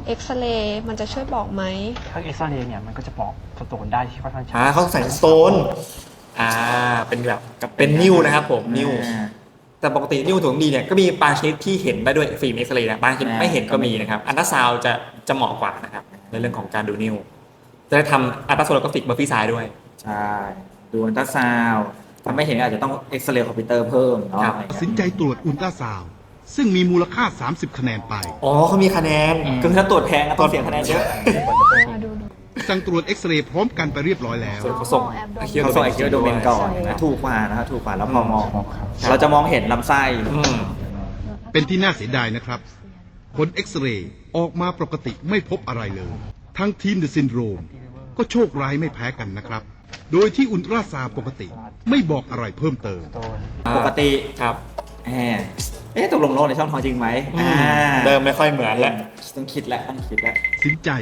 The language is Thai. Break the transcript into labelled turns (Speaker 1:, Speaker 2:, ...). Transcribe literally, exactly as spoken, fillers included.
Speaker 1: เอ็กซเรย์มันจะช่วยบอกไหม
Speaker 2: ถ้าเอ็กซเรย์เนี่ยมันก็จะบอกสโตนได้ที่ค่อนข้างชัด
Speaker 3: อ่าเขาใส่สโตนอ่าเป็นแบบเป็นนิ้วนะครับผมนิ้วแต่ปกตินิ้วถุงดีเนี่ยก็มีบางชนิดที่เห็นได้ด้วยฟิล์มเอ็กซเรย์นะบางชนิดไม่เห็นก็มีนะครับอันตราซาวด์จะจะเหมาะกว่านะครับในเรื่องของการดูนิ้วจะได้ทำอัลตราโซโลกราฟิกเบอร์ฟี่ไซด์ด้วย
Speaker 4: ใช่ดูอัลตราซาวด์ถ้าไม่เห็นอาจจะต้องเอ็กซเรย์คอมพิวเตอร์เพิ่มเนาะ
Speaker 5: ตัดสินใจตรวจอุลตราซาวด์ซึ่งมีมูลค่า สามสิบ คะแนนไป
Speaker 3: อ๋อเขามีคะแนน
Speaker 4: คือถ้าตรวจแพงก็ต้องเสียคะแนนเยอะ
Speaker 1: ดูดู
Speaker 5: สั่งตรวจเอ็กซเรย์พร้อมกันไปเรียบร้อยแล้ว
Speaker 3: ส่วนเขาส่ง
Speaker 4: เขาส่งไอคิวโดเมนก่อนนะถูกกว่านะครับถูกกว่าแล้วพอมอง
Speaker 2: ครับ
Speaker 4: เราจะมองเห็นลำไส้
Speaker 3: อืม
Speaker 5: เป็นที่น่าเสียดายนะครับผลเอ็กซเรย์ออกมาปกติไม่พบอะไรเลย ทั้งทีมเดอะซินโดรมก็โชคร้ายไม่แพ้กันนะครับ โดยที่อุลตราซาวด์ปกติไม่บอกอะไรเพิ่มเติม
Speaker 2: โดน
Speaker 4: ปกติ
Speaker 3: ครับ
Speaker 4: แหมเอ๊ะตกลงโรคในช่องท้องจริงไหมอ่า
Speaker 3: เดิมไม่ค่อยเหมือนแล้ว
Speaker 4: ต้องคิดแล้วต้องคิดแล้ว
Speaker 5: สินใจ